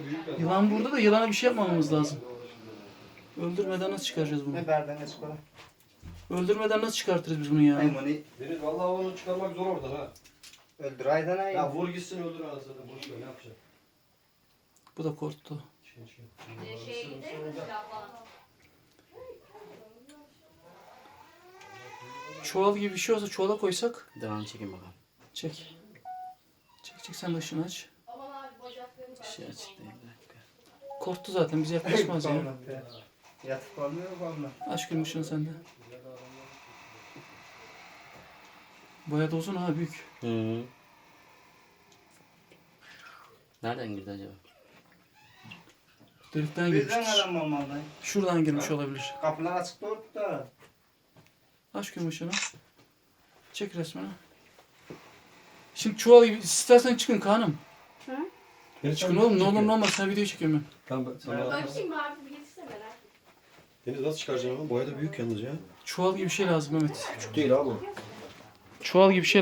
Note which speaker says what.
Speaker 1: Yılan burada da yılana bir şey yapmamamız lazım. Öldürmeden nasıl çıkaracağız bunu?
Speaker 2: Ne berden ne çıkalım.
Speaker 1: Öldürmeden nasıl çıkartırız biz bunu ya?
Speaker 2: Maymuni
Speaker 3: Deniz vallahi onu çıkarmak zor oradan ha.
Speaker 2: öldür aydan ay.
Speaker 3: Ya vur gitsin öldür anasını. Boş ver ne yapacaksın?
Speaker 1: Bu da korktu.
Speaker 4: Şeye gidelim mi silah falan?
Speaker 1: Çuval gibi bir şey olsa çuvala koysak.
Speaker 5: Devam çekin bakalım.
Speaker 1: Çek. Çek sen de ışığını aç.
Speaker 4: Aman abi bacaklarım
Speaker 5: Şey açık değil. Bir dakika.
Speaker 1: Korktu zaten bize yaklaşmaz ya.
Speaker 2: Yatıp kalmıyor kalma.
Speaker 1: Aç gün ışığını sen de. Bayağı da uzun ha büyük.
Speaker 5: Hı. Nereden girdi acaba?
Speaker 1: Delikten girmiş.
Speaker 2: Bizden adam olmalı.
Speaker 1: Şuradan girmiş olabilir.
Speaker 2: Kapılar açık doğru da.
Speaker 1: Aç gün ışığını. Çek resmini. Şimdi çuval gibi istersen çıkın Kaan'ım. Çıkın oğlum ne olur ne olmaz sen video çekiyorum ben.
Speaker 3: Tamam sana.
Speaker 4: Bakayım abi bir getirsene merak ettim.
Speaker 3: Deniz nasıl çıkaracaksın ama? Boya da büyük yalnız ya.
Speaker 1: Çuval gibi bir şey lazım Mehmet.
Speaker 3: Küçük değil abi.
Speaker 1: Çuval gibi bir şey